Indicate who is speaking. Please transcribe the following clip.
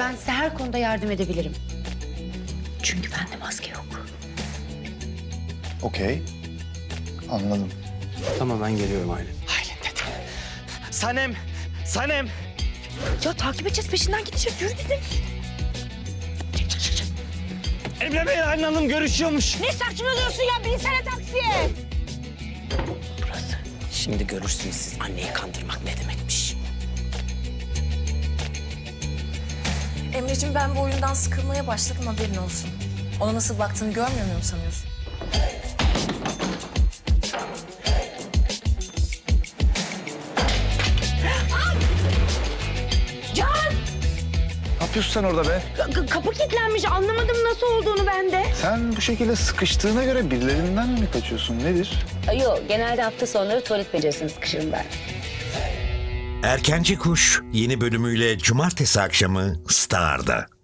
Speaker 1: Ben size her konuda yardım edebilirim. Çünkü bende maske yok.
Speaker 2: Okey. Anladım.
Speaker 3: Tamam ben geliyorum Aylin.
Speaker 4: Aylin dedim. Sanem, Sanem.
Speaker 1: Ya takip edeceğiz, peşinden gideceğiz. Yürü dedim.
Speaker 4: Emre Bey Aylin Hanım görüşüyormuş.
Speaker 1: Ne saçmalıyorsun ya? Binsene taksiye.
Speaker 4: Burası. Şimdi görürsünüz siz anneyi kandırmak ne demekmiş.
Speaker 5: Emreciğim ben bu oyundan sıkılmaya başladım, haberin olsun. Ona nasıl baktığını görmüyor muyum sanıyorsun?
Speaker 1: Can!
Speaker 2: Ne yapıyorsun sen orada be?
Speaker 1: Kapı kilitlenmiş. Anlamadım nasıl olduğunu ben de.
Speaker 2: Sen bu şekilde sıkıştığına göre birilerinden mi kaçıyorsun? Nedir?
Speaker 6: Yok, genelde hafta sonları tuvalet becerisine sıkışırım ben.
Speaker 7: Erkenci Kuş yeni bölümüyle cumartesi akşamı Star'da.